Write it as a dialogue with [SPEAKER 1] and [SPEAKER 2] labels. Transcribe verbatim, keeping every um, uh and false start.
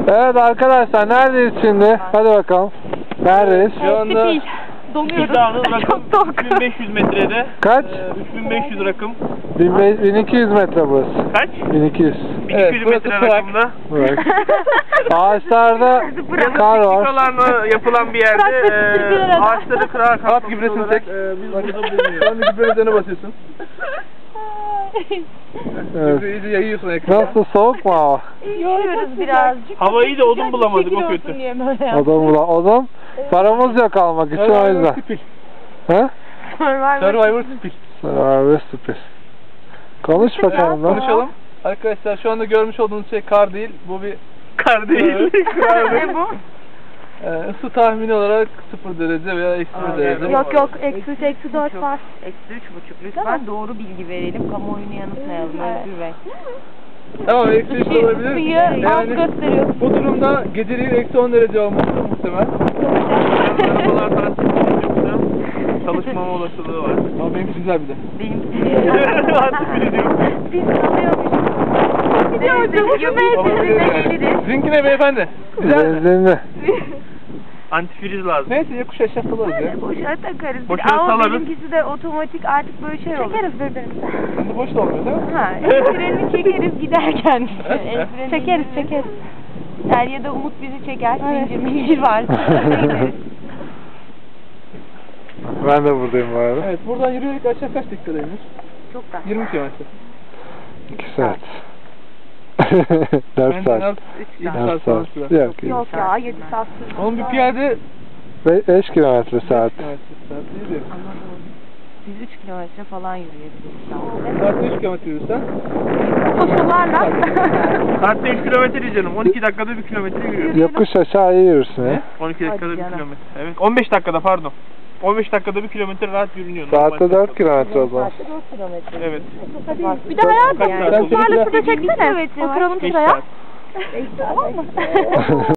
[SPEAKER 1] Evet arkadaşlar, neredeyiz şimdi? Hadi bakalım. Neredeyiz?
[SPEAKER 2] Şu anda
[SPEAKER 3] Donuyoruz.
[SPEAKER 2] Dağının rakım üç bin beş yüz metrede.
[SPEAKER 1] Kaç?
[SPEAKER 2] Ee, üç bin beş yüz rakım.
[SPEAKER 1] bin iki yüz metre burası.
[SPEAKER 2] Kaç?
[SPEAKER 1] bin iki yüz.
[SPEAKER 2] bin iki yüz
[SPEAKER 3] Evet,
[SPEAKER 2] metre
[SPEAKER 3] burası
[SPEAKER 2] rakımda.
[SPEAKER 1] Evet. Ağaçlarda kar var.
[SPEAKER 2] Dakikalarla yapılan bir yerde e, ağaçları kırarak
[SPEAKER 3] at gübresini çek.
[SPEAKER 2] E, biz burada bulunuyoruz.
[SPEAKER 3] Şu anda gübre üzerine basıyorsun.
[SPEAKER 1] Evet.
[SPEAKER 3] Gübre iyice yayıyorsun ekrana.
[SPEAKER 1] Nasıl, soğuk mu hava?
[SPEAKER 4] Yiyoruz birazcık.
[SPEAKER 2] Havayı da odun bulamadık, o kötü.
[SPEAKER 1] Odun bula. Odun. Paramız yok almak için, o
[SPEAKER 3] Survivor
[SPEAKER 1] yüzden.
[SPEAKER 3] Spil.
[SPEAKER 1] He?
[SPEAKER 3] Survivor Spil.
[SPEAKER 1] Survivor Spil. Konuş bakalım lan.
[SPEAKER 3] Konuşalım. Arkadaşlar şu anda görmüş olduğunuz şey kar değil. Bu bir
[SPEAKER 2] Kar değil.
[SPEAKER 4] Ne bu?
[SPEAKER 3] e, ısı tahmini olarak sıfır derece veya eksi bir derece.
[SPEAKER 4] Yok yok, eksi üç, eksi dört var.
[SPEAKER 5] Eksi üç buçuk. Lütfen doğru bilgi verelim. Kamuoyunu yanıltmayalım Özgür Bey.
[SPEAKER 3] Tamam, eksi üç de olabilir.
[SPEAKER 4] Isıyı az
[SPEAKER 3] Yani
[SPEAKER 4] gösteriyor.
[SPEAKER 3] bu durumda geceliğin eksi on derece olması muhtemel.
[SPEAKER 2] Arabalar tarafından yoksa çalışmama olasılığı var.
[SPEAKER 3] Ama benimki güzel bir de.
[SPEAKER 5] Benim
[SPEAKER 2] Antifriz yok.
[SPEAKER 5] biz kalıyormuşuz.
[SPEAKER 3] Sizinki ne beyefendi? Güzel mi?
[SPEAKER 1] Benzinli.
[SPEAKER 2] Antifriz lazım.
[SPEAKER 3] Neyse yokuş aşağı salarız ya.
[SPEAKER 5] Boşa takarız.
[SPEAKER 2] Boşuna
[SPEAKER 5] Ama
[SPEAKER 2] salarız.
[SPEAKER 5] benimkisi de otomatik artık böyle şey olur.
[SPEAKER 4] Çekeriz birbirimize.
[SPEAKER 3] Şimdi boş da olmuyor değil mi?
[SPEAKER 5] Ha, el frenini çekeriz giderken. El freni
[SPEAKER 4] Çekeriz çekeriz.
[SPEAKER 5] Ser ya da Umut bizi çeker.
[SPEAKER 4] Evet.
[SPEAKER 5] Zincir mincir var.
[SPEAKER 1] Ben de buradayım bu arada.
[SPEAKER 3] Evet, buradan yürüyerek aşağı kaç dakikadaymış?
[SPEAKER 5] Çok da.
[SPEAKER 3] yirmi kilometre.
[SPEAKER 1] iki saat. dört
[SPEAKER 3] Benden
[SPEAKER 1] saat.
[SPEAKER 3] az yedi
[SPEAKER 1] dört
[SPEAKER 3] saat falan
[SPEAKER 1] saat.
[SPEAKER 3] sürer.
[SPEAKER 1] Yok,
[SPEAKER 4] Yok ya, yedi saat sürdü.
[SPEAKER 3] Onun bir piyade
[SPEAKER 1] beş kilometre saat.
[SPEAKER 3] kilometre saat değil de.
[SPEAKER 5] Biz üç kilometre falan yürüyebiliriz şu an.
[SPEAKER 3] Saatte üç kilometre yürürsen.
[SPEAKER 4] Koşullarla.
[SPEAKER 2] Saatte üç kilometre değil canım. on iki dakikada bir kilometre yürüyoruz.
[SPEAKER 1] Yokuş aşağı iyi yürürsün ya.
[SPEAKER 2] on iki dakikada
[SPEAKER 5] Hadi
[SPEAKER 2] bir
[SPEAKER 5] canım.
[SPEAKER 2] kilometre. Evet. on beş dakikada pardon. on beş dakikada bir kilometre rahat yürünüyor.
[SPEAKER 1] Saatte
[SPEAKER 2] Normal.
[SPEAKER 1] dört kilometre o zaman.
[SPEAKER 5] Saatte dört kilometre.
[SPEAKER 2] Evet.
[SPEAKER 4] Bir de hayatım.
[SPEAKER 2] Kaç saat oldu?
[SPEAKER 4] Varlıklı da çeksene.
[SPEAKER 5] Kilometre var.
[SPEAKER 4] Oturalım
[SPEAKER 2] beş
[SPEAKER 4] şuraya.
[SPEAKER 2] saat.
[SPEAKER 4] Tamam mı?